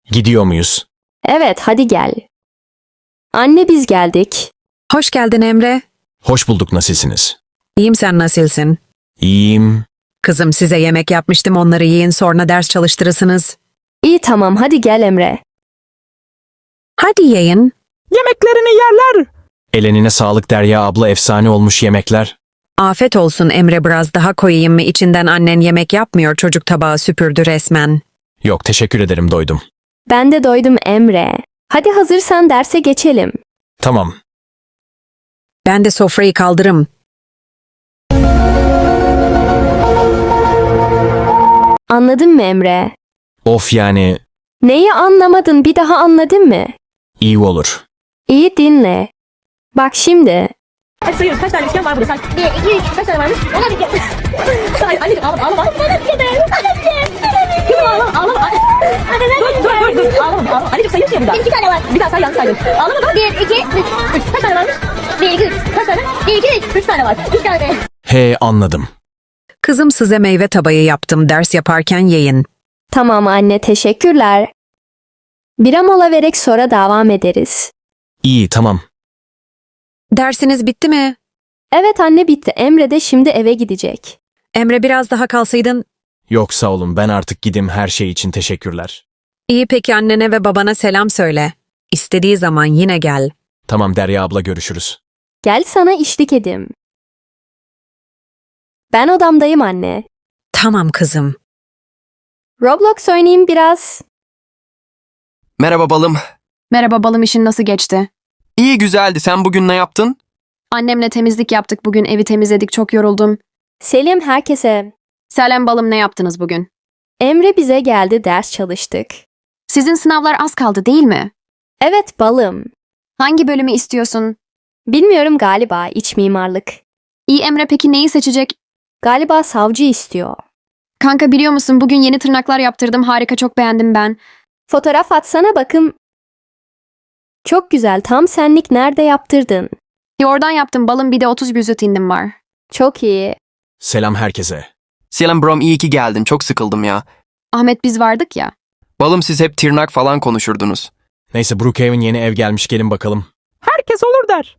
Gidiyor muyuz? Evet, hadi gel. Anne biz geldik. Hoş geldin Emre. Hoş bulduk, nasılsınız? İyiyim, sen nasılsın? İyiyim. Kızım, size yemek yapmıştım, onları yiyin, sonra ders çalıştırırsınız. İyi tamam, hadi gel Emre. Hadi yiyin. Yemeklerini yerler. Elenine sağlık Derya abla, efsane olmuş yemekler. Afet olsun Emre, biraz daha koyayım mı? İçinden annen yemek yapmıyor, çocuk tabağı süpürdü resmen. Yok, teşekkür ederim, doydum. Ben de doydum Emre. Hadi hazırsan derse geçelim. Tamam. Ben de sofrayı kaldırım. Anladın mı Emre? Of yani Neyi anlamadın, bir daha anladın mı? iyi olur. İyi dinle. Bak şimdi. Hadi sayıyoruz. Kaç tane üçgen var burada? Say. 1, 2, 3. Kaç tane varmış? Ona bir kere. Say. Anneciğim ağlama ağlama. Bana bir kere. Kızım ağlama ağlama. Dur. Ağlama. Anneciğim sayıyorsun ya bir daha. 2 tane var. Bir daha say, yanlış saydın. Ağlama dur. 1, 2, 3. 3. Kaç tane varmış? 1, 2, 3. Kaç tane? 1, 2, 3. 3 tane var. 3 tane. He, anladım. Kızım, size meyve tabağı yaptım, ders yaparken yiyin. Tamam anne, teşekkürler. Bir mola vererek sonra devam ederiz. İyi, tamam. Dersiniz bitti mi? Evet anne, bitti. Emre de şimdi eve gidecek. Emre, biraz daha kalsaydın. Yok sağ olun, ben artık gideyim, her şey için teşekkürler. İyi, peki annene ve babana selam söyle. İstediği zaman yine gel. Tamam Derya abla, görüşürüz. Gel sana eşlik edeyim. Ben odamdayım anne. Tamam kızım. Roblox oynayayım biraz. Merhaba balım. Merhaba balım, işin nasıl geçti? İyi, güzeldi. Sen bugün ne yaptın? Annemle temizlik yaptık bugün, evi temizledik, çok yoruldum. Selim herkese. Selam balım, ne yaptınız bugün? Emre bize geldi, ders çalıştık. Sizin sınavlar az kaldı değil mi? Evet balım. Hangi bölümü istiyorsun? Bilmiyorum, galiba iç mimarlık. İyi Emre, peki neyi seçecek? Galiba savcı istiyor. Kanka biliyor musun, bugün yeni tırnaklar yaptırdım, harika, çok beğendim ben. Fotoğraf atsana bakım. Çok güzel, tam senlik, nerede yaptırdın? Oradan yaptım balım, bir de 30 vücut indim var. Çok iyi. Selam herkese. Selam brom, iyi ki geldin. Çok sıkıldım ya. Ahmet, biz vardık ya. Balım, siz hep tırnak falan konuşurdunuz. Neyse, Brookhaven yeni ev gelmiş, gelin bakalım. Herkes olur der.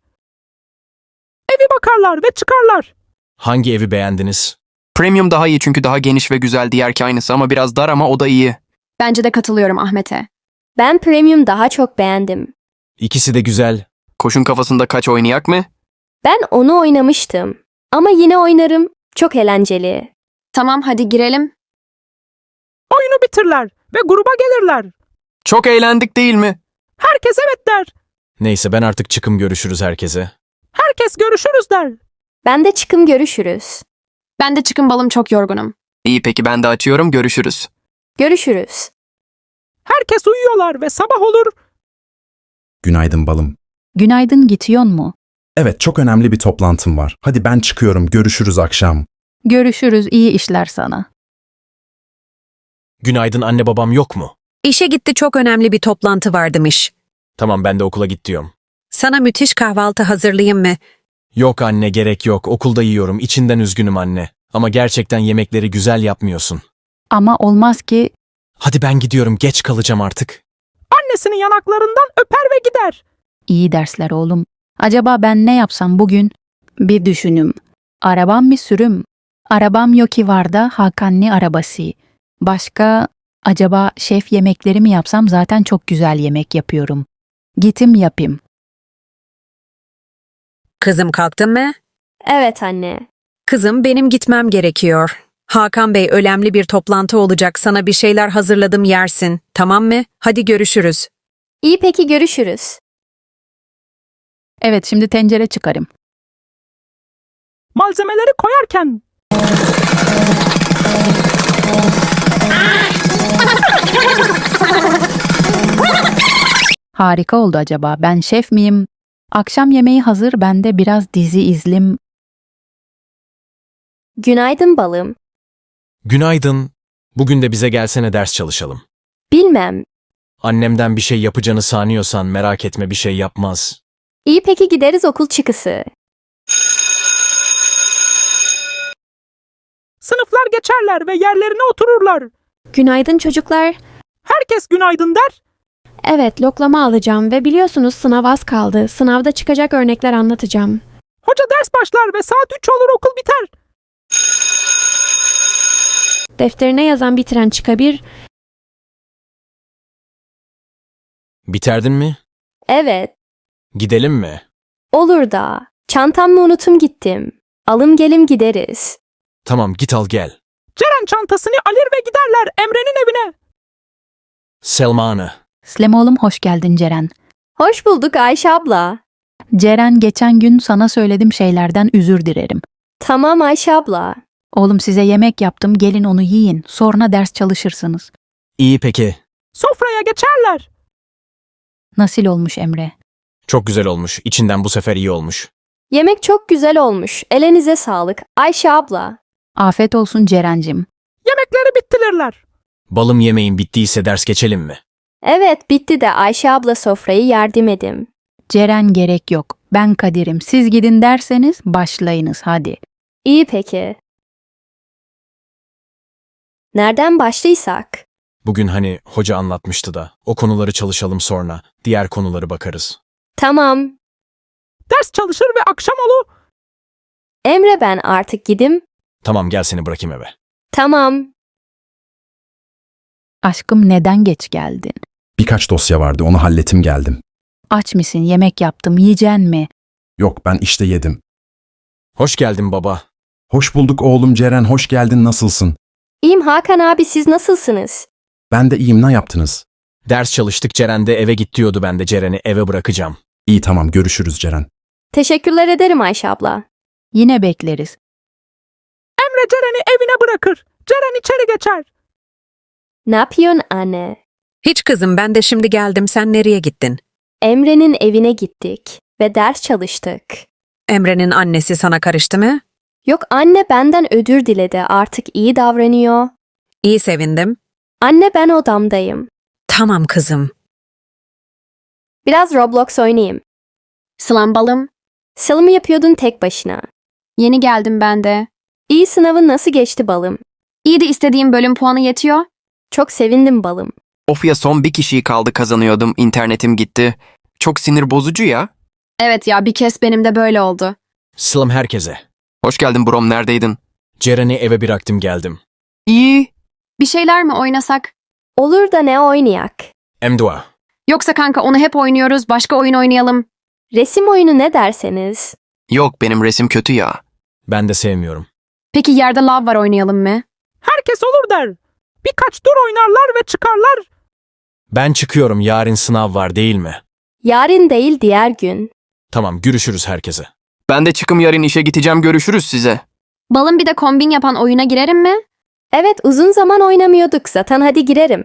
Evi bakarlar ve çıkarlar. Hangi evi beğendiniz? Premium daha iyi çünkü daha geniş ve güzel, diğerki aynısı ama biraz dar, ama o da iyi. Bence de katılıyorum Ahmet'e. Ben premium daha çok beğendim. İkisi de güzel. Koşun kafasında kaç oynayak mı? Ben onu oynamıştım. Ama yine oynarım. Çok eğlenceli. Tamam, hadi girelim. Oyunu bitirler ve gruba gelirler. Çok eğlendik değil mi? Herkes evet der. Neyse, ben artık çıkım, görüşürüz herkese. Herkes görüşürüz der. Ben de çıkım, görüşürüz. Ben de çıkın balım, çok yorgunum. İyi, peki ben de açıyorum, görüşürüz. Görüşürüz. Herkes uyuyorlar ve sabah olur. Günaydın balım. Günaydın, gidiyor mu? Evet, çok önemli bir toplantım var. Hadi ben çıkıyorum, görüşürüz akşam. Görüşürüz, iyi işler sana. Günaydın, anne babam yok mu? İşe gitti, çok önemli bir toplantı vardımış. Tamam, ben de okula git diyorum. Sana müthiş kahvaltı hazırlayayım mı? Yok anne, gerek yok, okulda yiyorum, içinden üzgünüm anne. Ama gerçekten yemekleri güzel yapmıyorsun. Ama olmaz ki, Hadi ben gidiyorum, geç kalacağım artık. Annesinin yanaklarından öper ve gider. iyi dersler oğlum. Acaba ben ne yapsam bugün? Bir düşünüm. Arabam bir sürüm. Arabam yok ki, var da Hakanlı arabası. Başka, acaba şef yemekleri mi yapsam? Zaten çok güzel yemek yapıyorum. Gitim yapayım. Kızım, kalktın mı? Evet anne. Kızım, benim gitmem gerekiyor. Hakan Bey, önemli bir toplantı olacak, sana bir şeyler hazırladım, yersin. Tamam mı? Hadi görüşürüz. İyi peki, görüşürüz. Evet, şimdi tencere çıkarım. Malzemeleri koyarken Harika oldu acaba. Ben şef miyim? Akşam yemeği hazır, ben de biraz dizi izlim. Günaydın balım. Günaydın. Bugün de bize gelsene, ders çalışalım. Bilmem. Annemden bir şey yapacağını sanıyorsan merak etme, bir şey yapmaz. İyi peki, gideriz okul çıkısı. sınıflar geçerler ve yerlerine otururlar. Günaydın çocuklar. Herkes günaydın der. Evet, loklama alacağım ve biliyorsunuz sınav az kaldı. Sınavda çıkacak örnekler anlatacağım. Hoca ders başlar ve saat 3 olur okul biter. Defterine yazan bitiren çıkabilir. Biterdin mi? Evet, Gidelim mi? olur da. Çantamı unutum gittim. Alım gelim gideriz. Tamam git al gel. Ceren çantasını alır ve giderler Emre'nin evine. Selma Ana. Slem oğlum hoş geldin Ceren. Hoş bulduk Ayşe abla. Ceren geçen gün sana söylediğim şeylerden özür dilerim. Tamam Ayşe abla. Oğlum size yemek yaptım gelin onu yiyin sonra ders çalışırsınız. İyi peki. Sofraya geçerler. Nasıl olmuş Emre? Çok güzel olmuş. İçinden bu sefer iyi olmuş. Yemek çok güzel olmuş. Elinize sağlık. Ayşe abla. Afiyet olsun Ceren'cim. Yemekleri bittirirler. Balım yemeğin bittiyse ders geçelim mi? Evet bitti de Ayşe abla sofrayı yardım edim. Ceren gerek yok. Ben Kadir'im. Siz gidin derseniz başlayınız hadi. İyi peki. Nereden başlaysak? Bugün hani hoca anlatmıştı da. O konuları çalışalım sonra. Diğer konuları bakarız. Tamam. Ders çalışır ve akşam olur. Emre ben artık gidim. Tamam gel seni bırakayım eve. Tamam. Aşkım neden geç geldin? Birkaç dosya vardı onu halletim geldim. Aç mısın yemek yaptım yiyeceksin mi? Yok ben işte yedim. Hoş geldin baba. Hoş bulduk oğlum Ceren hoş geldin nasılsın? İyiyim Hakan abi siz nasılsınız? Ben de iyiyim ne yaptınız? Ders çalıştık Ceren de eve git diyordu ben de Ceren'i eve bırakacağım. İyi tamam görüşürüz Ceren. Teşekkürler ederim Ayşe abla. Yine bekleriz. Emre Ceren'i evine bırakır. Ceren içeri geçer. Ne yapıyorsun anne? Hiç kızım ben de şimdi geldim. Sen nereye gittin? Emre'nin evine gittik ve ders çalıştık. Emre'nin annesi sana karıştı mı? Yok anne benden özür diledi artık iyi davranıyor. İyi sevindim. Anne ben odamdayım. Tamam kızım. Biraz Roblox oynayayım. Sılam balım. Sılımı yapıyordun tek başına. Yeni geldim ben de. İyi sınavın nasıl geçti balım? İyi de istediğim bölüm puanı yetiyor. Çok sevindim balım. Of ya son bir kişiyi kaldı kazanıyordum. İnternetim gitti. Çok sinir bozucu ya. Evet ya bir kez benim de böyle oldu. Sılam herkese. Hoş geldin brom neredeydin? Ceren'i eve bıraktım geldim. İyi. Bir şeyler mi oynasak? Olur da ne oynayak? Emdua. Yoksa kanka onu hep oynuyoruz başka oyun oynayalım. Resim oyunu ne derseniz? Yok benim resim kötü ya. Ben de sevmiyorum. Peki yerde lav var oynayalım mı? Herkes olur der. Birkaç tur oynarlar ve çıkarlar. Ben çıkıyorum yarın sınav var değil mi? Yarın değil diğer gün. Tamam görüşürüz herkese. Ben de çıkım yarın işe gideceğim görüşürüz size. Balım bir de kombin yapan oyuna girerim mi? Evet uzun zaman oynamıyorduk zaten hadi girerim.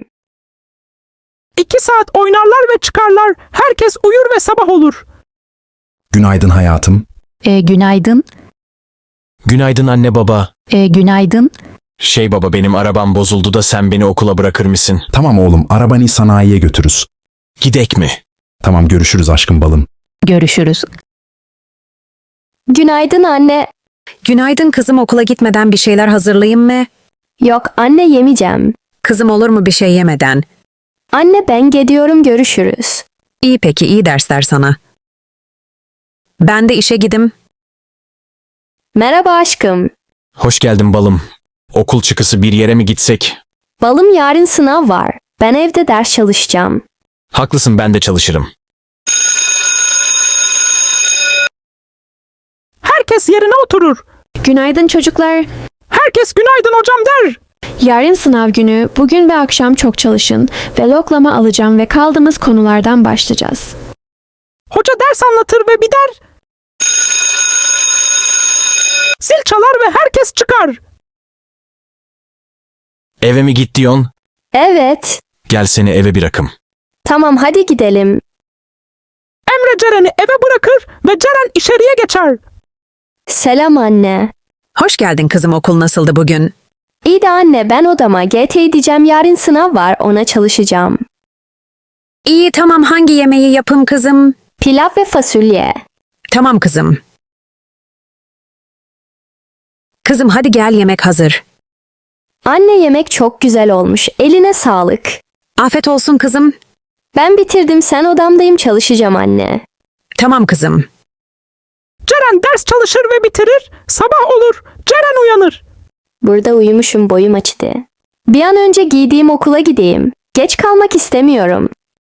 2 saat oynarlar ve çıkarlar. Herkes uyur ve sabah olur. Günaydın hayatım. Günaydın. Günaydın anne baba. Günaydın. Şey baba benim arabam bozuldu da sen beni okula bırakır mısın? Tamam oğlum arabanı sanayiye götürürüz. Gidek mi? Tamam görüşürüz aşkım balım. Görüşürüz. Günaydın anne. Günaydın kızım okula gitmeden bir şeyler hazırlayayım mı? Yok anne yemeyeceğim. Kızım olur mu bir şey yemeden? Anne ben gidiyorum görüşürüz. İyi peki iyi dersler sana. Ben de işe gidim. Merhaba aşkım. Hoş geldin balım. Okul çıkısı bir yere mi gitsek? Balım yarın sınav var. Ben evde ders çalışacağım. Haklısın ben de çalışırım. Herkes yerine oturur. Günaydın çocuklar. Herkes günaydın hocam der. Yarın sınav günü, bugün ve akşam çok çalışın ve loklama alacağım ve kaldığımız konulardan başlayacağız. Hoca ders anlatır ve biter. Zil çalar ve herkes çıkar. Eve mi git diyorsun? Evet. Gel seni eve bırakım. Tamam hadi gidelim. Emre Ceren'i eve bırakır ve Ceren içeriye geçer. Selam anne. Hoş geldin kızım okul nasıldı bugün? İyi de anne ben odama GT diyeceğim yarın sınav var ona çalışacağım. İyi tamam hangi yemeği yapım kızım? Pilav ve fasulye. Tamam kızım. Kızım hadi gel yemek hazır. Anne yemek çok güzel olmuş. Eline sağlık. Afiyet olsun kızım. Ben bitirdim, sen odamdayım, çalışacağım anne. Tamam kızım. Ceren ders çalışır ve bitirir. Sabah olur. Ceren uyanır. Burada uyumuşum, boyum açtı. Bir an önce giydiğim okula gideyim. Geç kalmak istemiyorum.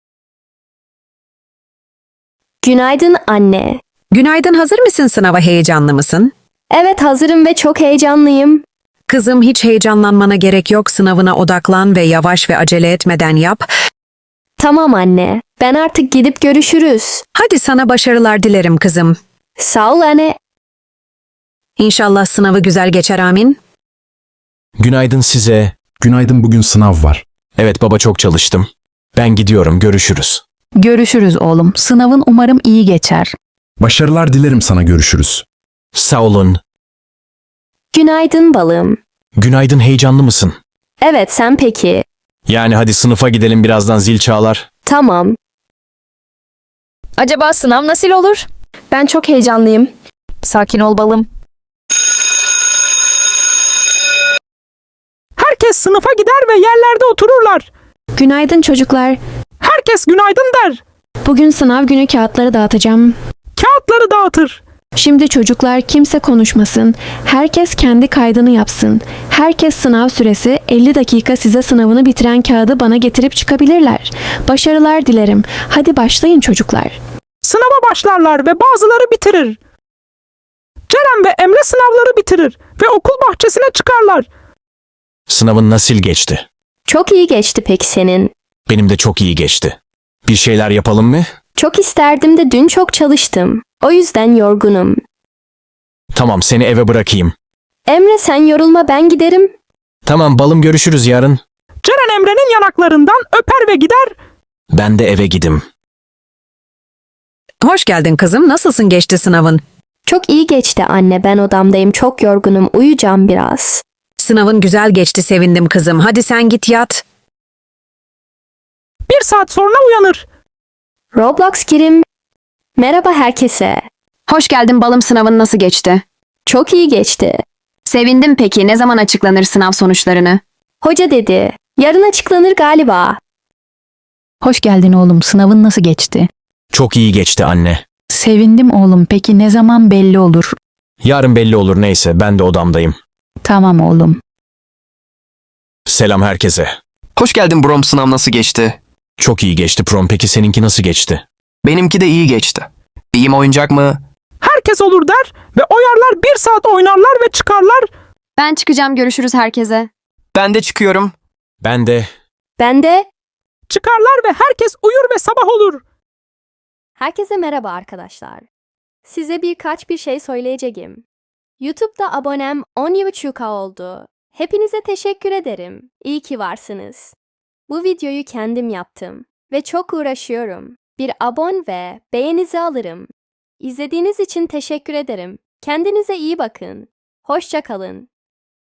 Günaydın anne. Günaydın, hazır mısın, sınava heyecanlı mısın? Evet, hazırım ve çok heyecanlıyım. Kızım, hiç heyecanlanmana gerek yok, sınavına odaklan ve yavaş ve acele etmeden yap. Tamam anne. Ben artık gidip görüşürüz. Hadi sana başarılar dilerim kızım. Sağ ol anne. İnşallah sınavı güzel geçer, amin. Günaydın size. Günaydın, bugün sınav var. Evet baba, çok çalıştım. Ben gidiyorum, görüşürüz. Görüşürüz oğlum. Sınavın umarım iyi geçer. Başarılar dilerim sana, görüşürüz. Sağ olun. Günaydın balım. Günaydın, heyecanlı mısın? Evet, sen peki? Yani hadi sınıfa gidelim, birazdan zil çalar. Tamam. Acaba sınav nasıl olur? Ben çok heyecanlıyım. Sakin ol balım. Herkes sınıfa gider ve yerlerde otururlar. Günaydın çocuklar. Herkes günaydın der. Bugün sınav günü kağıtları dağıtacağım. Kağıtları dağıtır. Şimdi çocuklar kimse konuşmasın. Herkes kendi kaydını yapsın. Herkes sınav süresi 50 dakika, size sınavını bitiren kağıdı bana getirip çıkabilirler. Başarılar dilerim. Hadi başlayın çocuklar. Sınava başlarlar ve bazıları bitirir. Ceren ve Emre sınavları bitirir ve okul bahçesine çıkarlar. Sınavın nasıl geçti? Çok iyi geçti peki senin. Benim de çok iyi geçti. Bir şeyler yapalım mı? Çok isterdim de dün çok çalıştım. O yüzden yorgunum. Tamam, seni eve bırakayım. Emre sen yorulma, ben giderim. Tamam balım, görüşürüz yarın. Ceren Emre'nin yanaklarından öper ve gider. Ben de eve gidim. Hoş geldin kızım, nasılsın, geçti sınavın? Çok iyi geçti anne, ben odamdayım, çok yorgunum, uyuyacağım biraz. Sınavın güzel geçti, sevindim kızım. Hadi sen git yat. 1 saat sonra uyanır. Roblox girim. Merhaba herkese. Hoş geldin balım, sınavın nasıl geçti? Çok iyi geçti. Sevindim peki, ne zaman açıklanır sınav sonuçlarını? Hoca dedi. Yarın açıklanır galiba. Hoş geldin oğlum. Sınavın nasıl geçti? Çok iyi geçti anne. Sevindim oğlum. Peki ne zaman belli olur? Yarın belli olur, neyse, ben de odamdayım. Tamam oğlum. Selam herkese. Hoş geldin Brom, sınav nasıl geçti? Çok iyi geçti prom, peki seninki nasıl geçti? Benimki de iyi geçti. İyiyim, oyuncak mı? Herkes olur der ve oyarlar, 1 saat oynarlar ve çıkarlar. Ben çıkacağım, görüşürüz herkese. Ben de çıkıyorum. Ben de. Ben de. Çıkarlar ve herkes uyur ve sabah olur. Herkese merhaba arkadaşlar. Size bir şey söyleyeceğim. YouTube'da abonem 10.5K oldu. Hepinize teşekkür ederim. İyi ki varsınız. Bu videoyu kendim yaptım ve çok uğraşıyorum. Bir abon ve beğenizi alırım. İzlediğiniz için teşekkür ederim. Kendinize iyi bakın. Hoşça kalın.